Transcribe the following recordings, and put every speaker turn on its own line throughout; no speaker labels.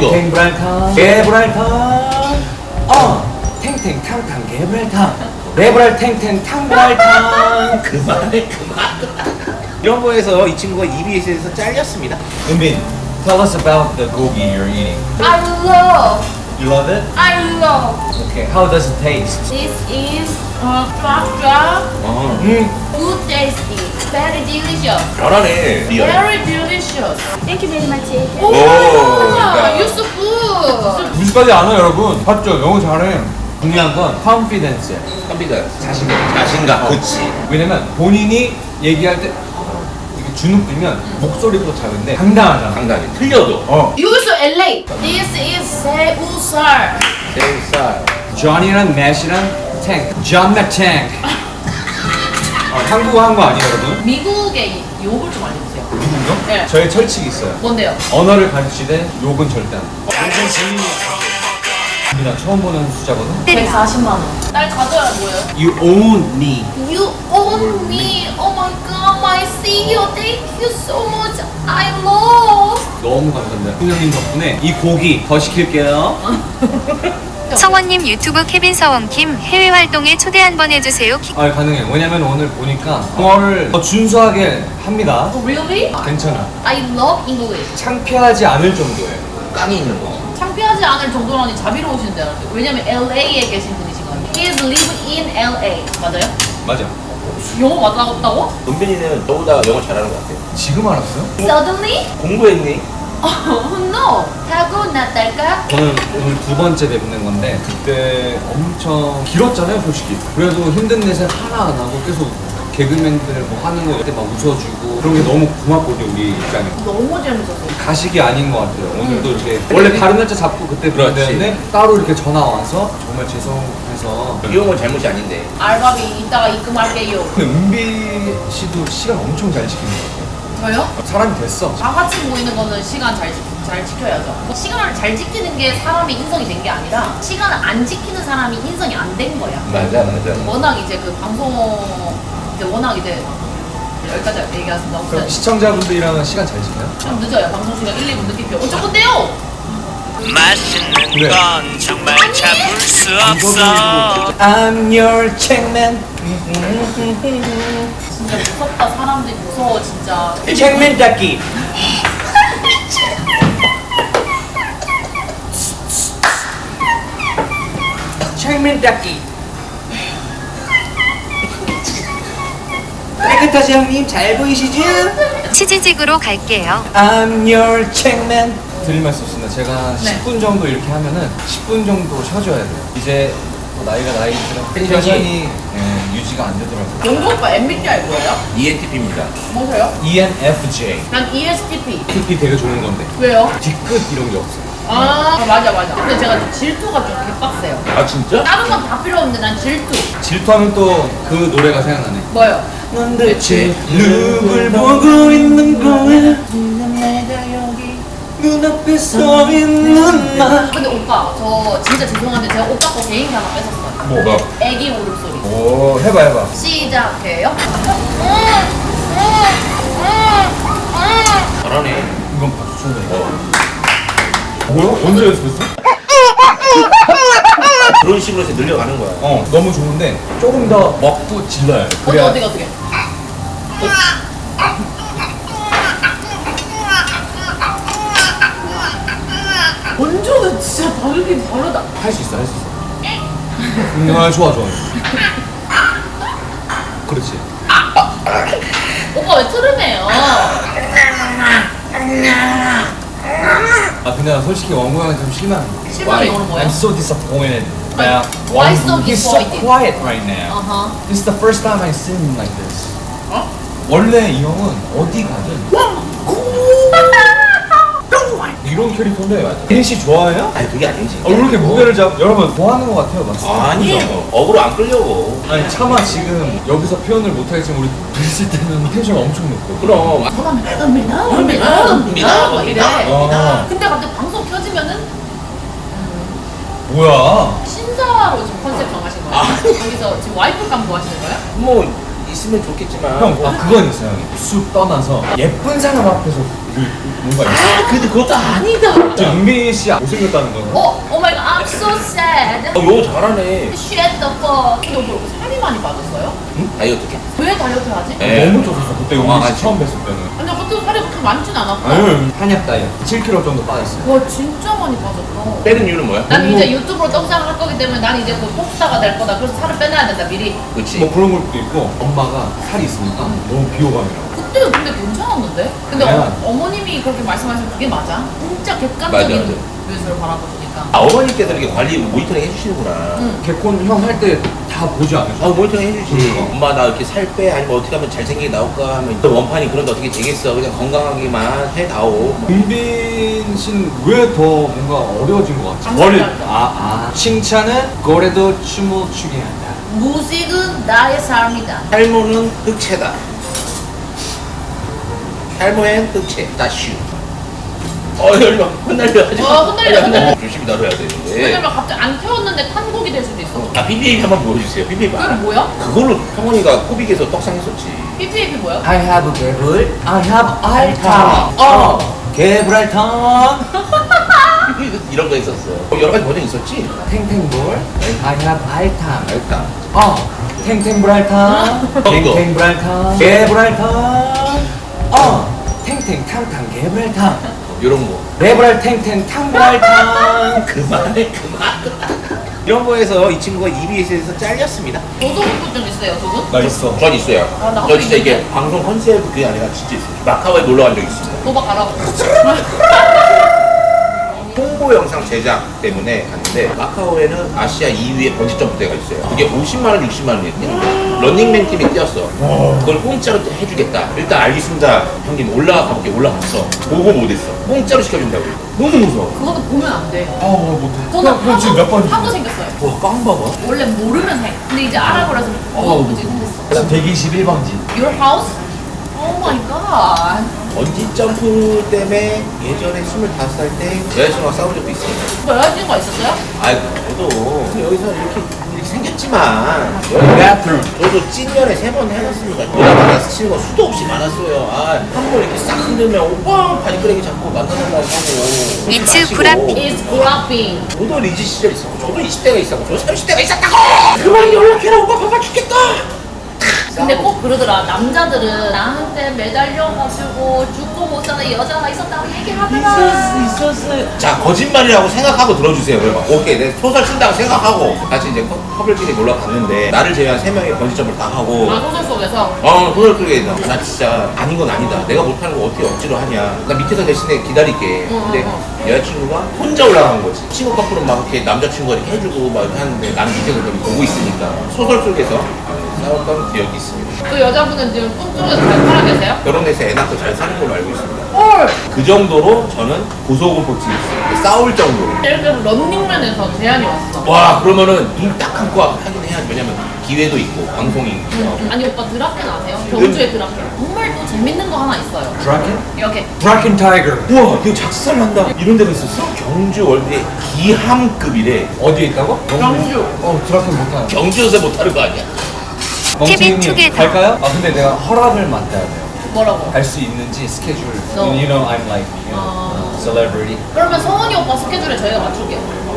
탱탱브랄탕 개브랄탕 탱탱탕탕 개브랄탕 레브랄 탱탱탕브랄탕
그만해. 이런 거에서 이 친구가 EBS에서 잘렸습니다.
은빈, tell us about the gogi you're eating.
I love.
You love it?
I love.
Okay, how does it taste?
This is drop.
음,
Good tasty. Very delicious.
잘하네. 리얼.
Very delicious. Thank you very much.
오,
와, you're so good.
90까지 안 와, 여러분. 봤죠? 영어 잘해. 중요한 건 confidence.
컴퓨터 자신감. 그치.
왜냐면 본인이 얘기할 때 이렇게 주눅 들면 목소리도 작은데 당당하잖아.
당당히 틀려도.
You so LA. This is 새우살.
새우살.
존이랑 맷이랑 탱크. 존 맷 탱크. 한국어 한 거 아니에요, 여러분?
미국의 욕을 좀 알려주세요.
미국어?
네.
저의 철칙이 있어요.
뭔데요?
언어를 가르치되 욕은 절대 안 해. 나 처음 보는 숫자거든?
140만 원. 날 가져야 뭐예요?
You own me.
You own me. Oh my god, my CEO. Thank you so much. I love.
너무 감사합니다. 훈영님 덕분에 이 고기 더 시킬게요.
성원님 유튜브 케빈 서원킴 해외 활동에 초대 한번 해주세요.
아, 가능해요. 왜냐면 오늘 보니까 영어를 더 준수하게 합니다.
Oh, really?
괜찮아.
I love English.
창피하지 않을 정도예요.
깡이 있는 거.
창피하지 않을 정도라니 자비로우신데 왜냐면 LA에 계신 분이시거든요. He is living in LA. 맞아요?
맞아.
영어 맞다고?
은빈이는 저보다 영어 잘하는 것 같아요.
지금 알았어요?
Suddenly?
공부했니?
Oh no. 타고났달까?
저는 오늘 두 번째 뵙는 건데 그때 엄청 길었잖아요, 솔직히. 그래도 힘든 내색 하나 안 하고 계속 개그맨들 뭐 하는 거 그때 막 웃어주고 그런 게 너무 고맙거든요, 우리 입장에.
너무 재밌었어요.
가식이 아닌 것 같아요. 오늘도 이렇게 원래 다른 날짜 잡고 그때
그렇지.
그랬는데 따로 이렇게 전화 와서 정말 죄송해서.
이런 건 잘못이 아닌데.
알바비 이따가 입금할게요.
근데 은비 씨도 시간 엄청 잘 지키는 것 같아요.
저요?
사람이 됐어.
다 같이 모이는 거는 시간 잘 지켜야죠. 시간을 잘 지키는 게 사람이 인성이 된 게 아니라 시간을 안 지키는 사람이 인성이 안 된 거야.
맞아.
워낙 이제 그 방송 이제 워낙 이제 여기까지 얘기하겠습니다.
그럼
아무튼
시청자분들이랑은 시간 잘 지켜요?
좀 늦어요. 방송 시간 1, 2분 늦게 펴. 어쩔 건데요?
맛있는
그래.
건 정말 잡을 수 없어.
I'm your checkman.
진짜 무섭다. 사람들이 무서워 진짜.
checkman 닫기. checkman 닫기. 깨끗하지 형님 잘 보이시죠?
치즈직으로 갈게요.
I'm your checkman. 드릴 말씀 있습니다. 제가
네.
10분 정도 이렇게 하면은 10분 정도 쉬어줘야 돼요. 이제 나이가 나이지만
텐션이
텐션이 유지가 안 되더라고요.
영국 오빠 MBTI 뭐예요?
ENTP입니다.
뭐세요?
ENFJ.
난 ESTP.
TP 되게 좋은 건데
왜요?
뒤끝 이런 게 없어요.
아 맞아. 근데 제가 질투가 좀 개빡세요.
아 진짜?
다른 건 다 필요 없는데 난 질투.
질투하면 또 그 노래가 생각나네.
뭐요?
넌 대체 누굴 보고 있는 거야? 내가 여기 눈앞에 서 있는 나.
근데 오빠 저 진짜 죄송한데 제가 오빠 거 개인기 하나 뺏었어요.
뭐가?
애기 울음소리.
오 해봐.
시작해요.
잘하네.
이건 박수 쳐야 돼. 뭐야? 언제 연습했어?
그런 식으로 해서 늘려가는 거야.
너무 좋은데 조금 더 먹고 질러야 돼. 그래야
어떻게? 원조는 진짜 다르긴 다르다.
할 수 있어. 좋아. 그렇지.
오빠 왜 트름해요?
근데 나 솔직히 원고 형이 좀 실망.
실망이 너는 뭐야?
I'm so disappointed.
Why- why so
He's so
disappointed?
quiet right now.
어허.
This is the first time I see him like this.
어?
원래 이 형은 어디 가든 이런 캐릭터인데 혜린 씨 좋아해요?
아니 그게 아니지.
왜 이렇게 무게를 여러분 뭐 하는 것 같아요, 맞죠?
아니요. 어그로 안 끌려고.
아니 차마 지금 여기서 표현을 못하겠지만 우리 뵀을 때는 텐션 엄청 높고.
그럼.
은밀아 막 이래.
아.
근데 갑자기 방송 켜지면은
뭐야?
신사로 지금 컨셉 정하신 거예요?
아니.
거기서 지금 와이프 감 구하시는 거예요?
뭐 있으면 좋겠지만.
형, 그건 있어요, 형님. 쑥 떠나서 예쁜 사람 앞에서 뭔가 있어.
아, 근데 그것도 아니다.
저 은빈 씨 못생겼다는 거.
오 마이 갓, I'm so sad.
요 잘하네.
Shut the fuck. 너 뭐 살이 많이 빠졌어요?
다이어트 게.
왜 다이어트 하지?
네.
너무 쪘었어. 그때 은빈
아,
씨 처음 뵀을 때는.
근데 그때 살이 그렇게 많진 않았고.
아유, 한약 다이어트. 7kg 정도 빠졌어요.
와 진짜 많이 빠졌다.
빼는 이유는 뭐야?
난 이제 유튜브로 떡상을 할 거기 때문에 난 이제 곧 pop스타가 될 거다. 그래서 살을 빼놔야 된다 미리.
그렇지.
뭐 그런 것도 있고 엄마가 살이 있으니까 너무 비호감이라고.
그때 근데 괜찮았는데? 근데
그냥-
어머님이 그렇게 말씀하시면 그게 맞아? 진짜
맞아,
객관적인
맞아.
뷰에서 바라보시니까.
아, 어머니께서 이렇게 관리 모니터링 해주시는구나.
응.
개콘 형 할 때 다 보지 않으셔?
아, 모니터링 해주지.
그러니까.
엄마 나 이렇게 살 빼? 아니면 어떻게 하면 잘생기게 나올까 하면 또 원판이 그런데 어떻게 되겠어. 그냥 건강하게만 해다오.
은빈 씨는 왜 더 뭔가 어려워진 것 같지?
감사합니다.
칭찬은 거래도 춤을 추게 한다.
무식은 나의 삶이다.
탈모는 흑채다. 탈모엔 흑채. 다슈. 열마 흩날려 하지 마.
흩날려.
조심히 다뤄야 되는데.
왜냐면 갑자기 안 태웠는데 탄곡이 될 수도 있어.
아, BBAP 한번 보여주세요. BBAP
그게
알아?
뭐야?
그걸로 성원이가 코빅에서 떡상했었지.
PPAP 뭐야?
I have a 개불, I have 알탕. 개불알탕.
이런 거 있었어. 여러 가지 버전 있었지?
탱탱볼, I have 알탕.
일단.
탱탱불알탕. 탱탱불알탕. 개불알탕. 탱탱탕탕 개불알탕.
이런 거.
레브랄 탱탱 탕불알탕.
그만해, 그만. 이런 거에서 이 친구가 EBS에서 잘렸습니다.
고소공포증 있어요 두 분?
나 있어.
전 있어요.
아, 나도
저 진짜
있는데?
이게 방송 컨셉 그게 아니라 진짜 있어요. 마카오에 놀러 간 적 있습니다.
도박 가라고.
홍보 영상 제작 때문에 갔는데 마카오에는 아시아 2위의 번지 점프대가 있어요. 그게 50만 원, 60만 원이에요. 뛰는 거. 런닝맨 팀이 뛰었어. 그걸 공짜로 해주겠다. 일단 알겠습니다. 형님 올라가 볼게. 올라갔어. 보고 못했어. 공짜로 시켜준다고. 너무 무서워.
그것도 보면 안 돼.
못해.
저는
그럼 지금 몇 번?
하고 생겼어요.
와, 꽝 봐봐.
원래 모르면 해. 근데 이제 알아버려서 고소공포증 생겼어.
그다음 121번지.
Your house? Oh my god.
번지 점프 때문에 예전에 25살 때 여자친구랑 싸운 적도 있어요.
뭐 여자친구가 있었어요?
아이, 저도 여기서 이렇게 생겼지만
bathroom.
저도 찐년에 3번 해놨습니다. 누나가 스치는 거 수도 없이 많았어요. 한 번 이렇게 싹 흔들면 오빠 바지끄레기 잡고 만나달라고 하고
이츠
마시고.
브라피.
It's grabbing.
저도 리즈 시절 있었고 저도 20대가 있었고 저도 30대가 있었다고. 그만 연락해라. 오빠 바빠 죽겠다.
근데 꼭 그러더라. 남자들은 나한테 매달려가지고 죽고 못 사는 여자가 있었다고 얘기하더라.
있었어요. 자, 거짓말이라고 생각하고 들어주세요. 그러면 오케이, 내 소설 쓴다고 생각하고 같이 이제 커플끼리 놀러 갔는데 나를 제외한 3명이 번지점을 다 하고
아 소설 속에서.
소설 속에 나 진짜 아닌 건 아니다. 내가 못하는 거 어떻게 억지로 하냐. 나 밑에서 대신에 기다릴게. 근데 여자친구가 혼자 올라간 거지. 친구 커플은 막 이렇게 남자친구가 이렇게 해주고 막 하는데 나는 밑에서 그걸 보고 있으니까 소설 속에서 싸웠던 기억이 있습니다.
그 여자분은 지금 꿈속에서 잘 살아 계세요?
결혼해서 애 낳고 잘 사는 걸로 알고 있습니다.
헐!
그 정도로 저는 고소공포증이 있어요. 싸울 정도로.
예를 들어서 런닝맨에서 제안이 왔어.
와, 그러면은 눈 딱 감고 하긴 해야지. 왜냐면 기회도 있고 방송이 있고.
아니 오빠 드라켄 아세요? 경주의 드라켄. 정말 또 재밌는 거 하나 있어요.
드라켄?
이렇게
드라켄 타이거.
우와, 이거 작살난다. 이런 데가 있었어? 경주 월드의 기함급이래.
어디에 있다고?
경주.
드라켄 못하는.
경주에서 못하는 거 아니야?
케빈 투게더.
갈까요? 근데 내가 허락을 맡아야 돼요.
뭐라고?
갈 수 있는지 스케줄.
No.
You know I'm like you know, celebrity.
그러면 성원이 오빠 스케줄에 저희가 맞출게요.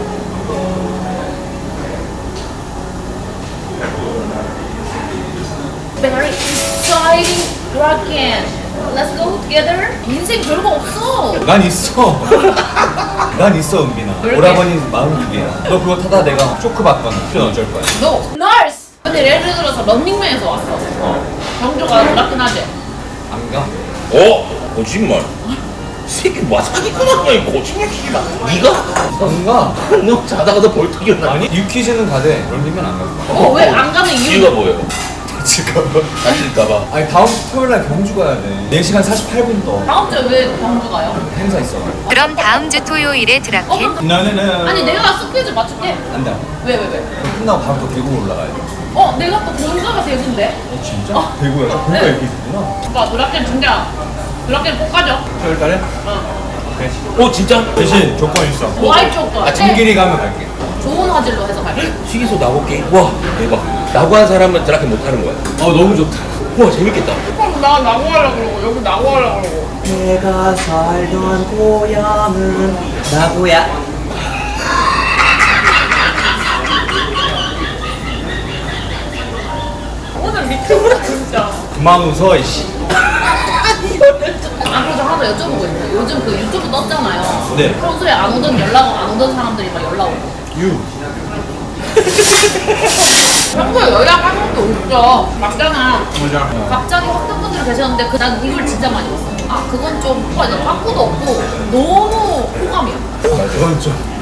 Very exciting Draken. Let's go together. 인생 별거 없어.
난 있어. 난 있어, 은빈아.
왜 이렇게?
오라버니 42개야. 너 그거 타다 내가 쇼크 받거나 그럼 어쩔 거야?
No. Nurse. 근데 예를 들어서 런닝맨에서 왔어. 경주가 드라켄 하지?
안 가?
거짓말. 이 새끼 뭐 사기꾼 거야. 거짓말 치지 마. 네가?
안 가?
너 자다가도 벌떡 일어나.
아니, 유퀴즈는 가되 런닝맨 안 가.
왜 안 가는 이유가
이유가 뭐예요?
지금.
다칠까봐.
아니, 다음 주 토요일 날 경주 가야 돼. 4시간 48분 더.
다음 주에 왜 경주 가요?
행사 있어.
그럼 다음 주 토요일에 드라켄.
그럼
나는
아니 내가 스케줄 맞출게.
안 돼.
왜?
끝나고 바로 또 대구 올라가야 돼.
내가 또 본가가 대구인데.
진짜? 대구야? 대구가
네.
이렇게 있구나.
오빠 드라켄 진짜 드라켄 꼭 가죠.
토요일 달에?
어.
오케이.
진짜?
대신 조건 있어.
와이 조건.
아, 진길이 가면 갈게.
좋은 화질로 해서 갈게요.
튀기소 나고 게임? 와 대박. 나고 한 사람은 저렇게 못하는 거야.
너무 좋다.
와 재밌겠다.
그럼 나 나고 하려고 그러고 여기 나고 하려고 그러고.
내가 살던 고향은 나고야.
오늘 미쳤다 진짜.
그만 웃어 이씨.
그래서 하나 더 여쭤보고 있어요. 요즘 그 유튜브 떴잖아요.
네.
평소에 안 오던 안 오던 사람들이 막 연락 오고. 평소에 연락하는 게 없죠. 맞잖아.
맞아.
갑자기 어떤 분들이 계셨는데 난 이걸 진짜 많이 봤어요. 아 그건 좀 빠꾸도 없고 너무 호감이야.
그건 좀.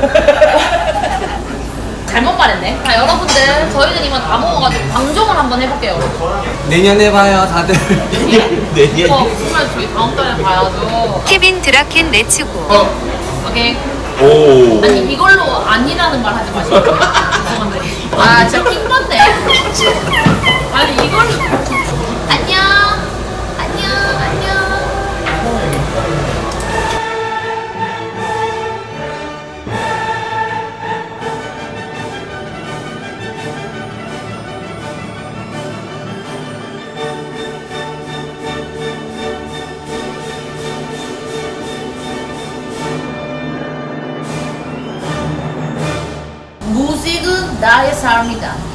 잘못 말했네. 자 여러분들 저희는 이만 다 먹어가지고 방종을 한번 해볼게요.
내년에 봐요 다들.
내년.
정말 저희 다음 달에 봐야죠.
케빈 드라켄 레츠고.
오케이.
오.
아니 이걸로 아니라는 말 하지 마시고. 죄송한데. 아 진짜 킹받네. 아니 이걸로. 안녕. 안녕. 안녕. 무식은 나의 삶이다.